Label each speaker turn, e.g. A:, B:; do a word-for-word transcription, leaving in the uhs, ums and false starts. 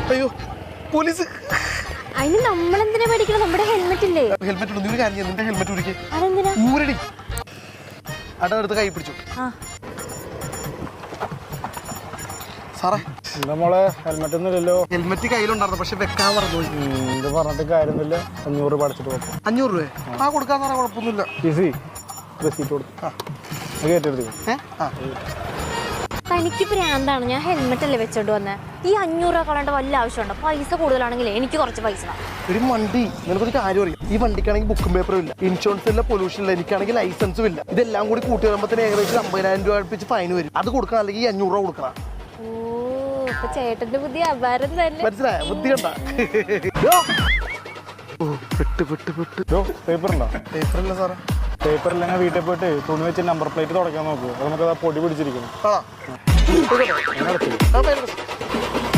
A: അയ്യോ പോലീസ്.
B: അതിന് നമ്മളെന്തിനാ പേടിക്കണം? നമ്മുടെ ഹെൽമെറ്റ് ഇല്ലേ?
A: ഹെൽമെറ്റ് ഉണ്ട്. നീ കാര്യം നിന്റെ ഹെൽമെറ്റ് ഊരിക്ക്.
B: അതെന്തിനാ?
A: ഊരടി. അടവെടുത്ത് കൈ പിടിച്ചു. സാറേ
C: മോളെ ഹെൽമെറ്റ് ഒന്നും ഇല്ലല്ലോ.
A: ഹെൽമെറ്റ് കയ്യിലുണ്ടായിരുന്നു, പക്ഷെ വെക്കാൻ പറഞ്ഞു.
C: ഇത് പറഞ്ഞിട്ട് കാര്യമൊന്നുമില്ല. അഞ്ഞൂറ് രൂപ അടച്ചിട്ട് കൊടുക്കും.
A: അഞ്ഞൂറ് രൂപ ആ കൊടുക്കാൻ സാറേ, കുഴപ്പമൊന്നുമില്ല.
C: ഈസി റെസീറ്റ് കൊടുക്കും. കയറ്റെടുത്തു.
B: തനിക്ക് ഭ്രാന്താണ്. ഞാൻ ഹെൽമെറ്റ് അല്ലേ വെച്ചോണ്ട് വന്നേ. ഈ അഞ്ഞൂറ് രൂപ കളയേണ്ട വല്ല ആവശ്യമുണ്ടോ? പൈസ കൂടുതലാണെങ്കിൽ എനിക്ക് കുറച്ച് പൈസ.
A: ഒരു വണ്ടി നിനക്കൊരു കാര്യം അറിയാം. ഈ വണ്ടിക്കാണെങ്കിൽ ബുക്കും പേപ്പറും ഇല്ല, ഇൻഷുറൻസ് ഇല്ല, പൊല്യൂഷൻ ഇല്ല, എനിക്കാണെങ്കിൽ ലൈസൻസും ഇല്ല. ഇതെല്ലാം കൂടി കൂട്ടി വരുമ്പോഴത്തേന് ഏകദേശം അമ്പതിനായിരം രൂപ അടുപ്പിച്ച് ഫൈൻ വരും. അത് കൊടുക്കണം, അല്ലെങ്കിൽ ഈ അഞ്ഞൂറ് രൂപ കൊടുക്കണം.
B: ഓ, ഇപ്പൊ ചേട്ടന്റെ പുതിയ അപാരം തന്നെ.
A: മനസ്സിലായ? ബുദ്ധി കണ്ട.
C: പേപ്പർ ഉണ്ടോ?
A: പേപ്പറില്ല സാറേ.
C: പേപ്പർ ഇല്ലെങ്കിൽ വീട്ടിൽ പോയിട്ട് തുണി വെച്ച് നമ്പർ പ്ലേറ്റ് തുടക്കാൻ നോക്കൂ. അത് നമുക്ക് പൊടി പിടിച്ചിരിക്കുന്നു.
A: ആ